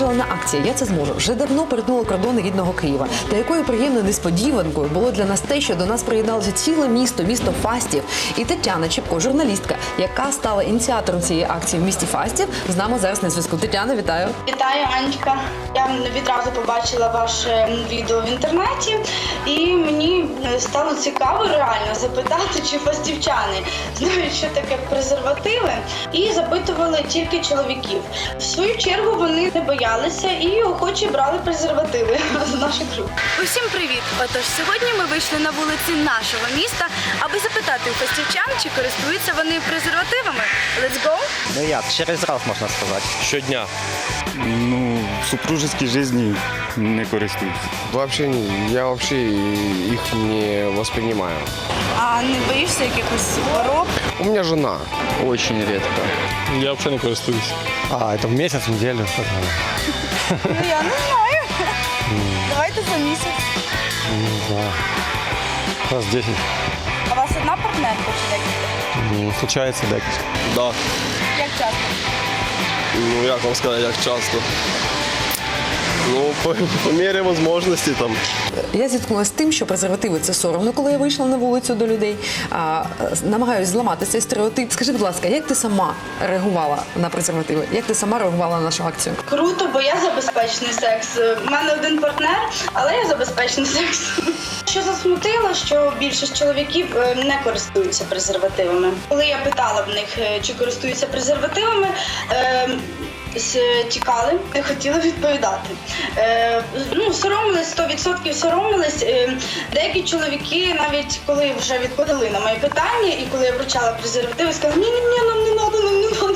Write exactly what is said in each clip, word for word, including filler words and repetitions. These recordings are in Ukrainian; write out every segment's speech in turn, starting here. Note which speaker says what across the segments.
Speaker 1: вижелана акція «Я це зможу» вже давно перетнула кордони рідного Києва. Та якою приємною несподіванкою було для нас те, що до нас приєдналося ціле місто, місто Фастів. І Тетяна Чепко, журналістка, яка стала ініціатором цієї акції в місті Фастів, з нами зараз на зв'язку. Тетяна, вітаю.
Speaker 2: Вітаю, Анечка. Я відразу побачила ваше відео в інтернеті, і мені стало цікаво реально запитати, чи фастівчани знають, що таке презервативи, і запитували тільки чоловіків. В свою чергу вони не боялися і охоче брали презервативи з наших рук.
Speaker 3: Усім привіт! Отож, сьогодні ми вийшли на вулиці нашого міста, аби запитати у фастівчан, чи користуються вони презервативами. Let's go!
Speaker 4: Ну як, через раз можна сказати.
Speaker 5: Щодня.
Speaker 6: Ну, в супружеской жизни не користуюсь.
Speaker 5: Вообще, не- я вообще их не воспринимаю.
Speaker 3: А не боїшся якихось хвороб?
Speaker 5: У меня жена.
Speaker 6: Очень редко.
Speaker 7: Я вообще не користуюсь.
Speaker 6: А, это в месяц, в неделю?
Speaker 3: Ну я не знаю. Давайте за місяць.
Speaker 6: Не знаю. Раз десять.
Speaker 3: А у вас одна партнерка чи декілька?
Speaker 6: Ну, случается декілька.
Speaker 7: Да.
Speaker 3: Як часто?
Speaker 7: Ну, як вам сказати, як часто? Ну, по, по мірі можливості там.
Speaker 1: Я зіткнулася з тим, що презервативи – це соромно, коли я вийшла на вулицю до людей. А, намагаюсь зламати цей стереотип. Скажи, будь ласка, як ти сама реагувала на презервативи? Як ти сама реагувала на нашу акцію?
Speaker 2: Круто, бо я за безпечний секс. У мене один партнер, але я за безпечний секс. Що засмутило, що більшість чоловіків е, не користуються презервативами. Коли я питала в них, е, чи користуються презервативами, е, з- тікали, не хотіли відповідати. Е, ну, соромились, сто відсотків соромились. Е, деякі чоловіки, навіть коли вже відповіли на моє питання, і коли я вручала презервативи, сказали, ні-ні-ні, нам не треба, нам не треба.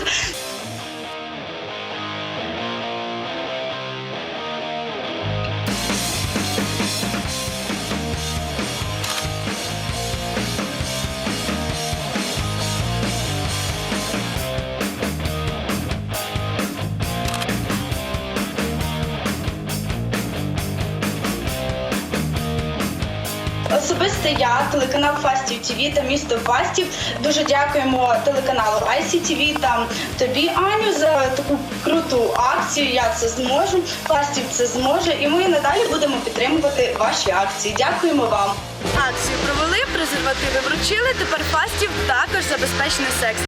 Speaker 2: Особисто я, телеканал Фастів ТВ та місто Фастів, дуже дякуємо телеканалу ай сі ті ві та тобі, Аню, за таку круту акцію «Я це зможу», Фастів це зможе, і ми надалі будемо підтримувати ваші акції. Дякуємо вам.
Speaker 3: Акцію провели, презервативи вручили, тепер Фастів також за безпечний секс.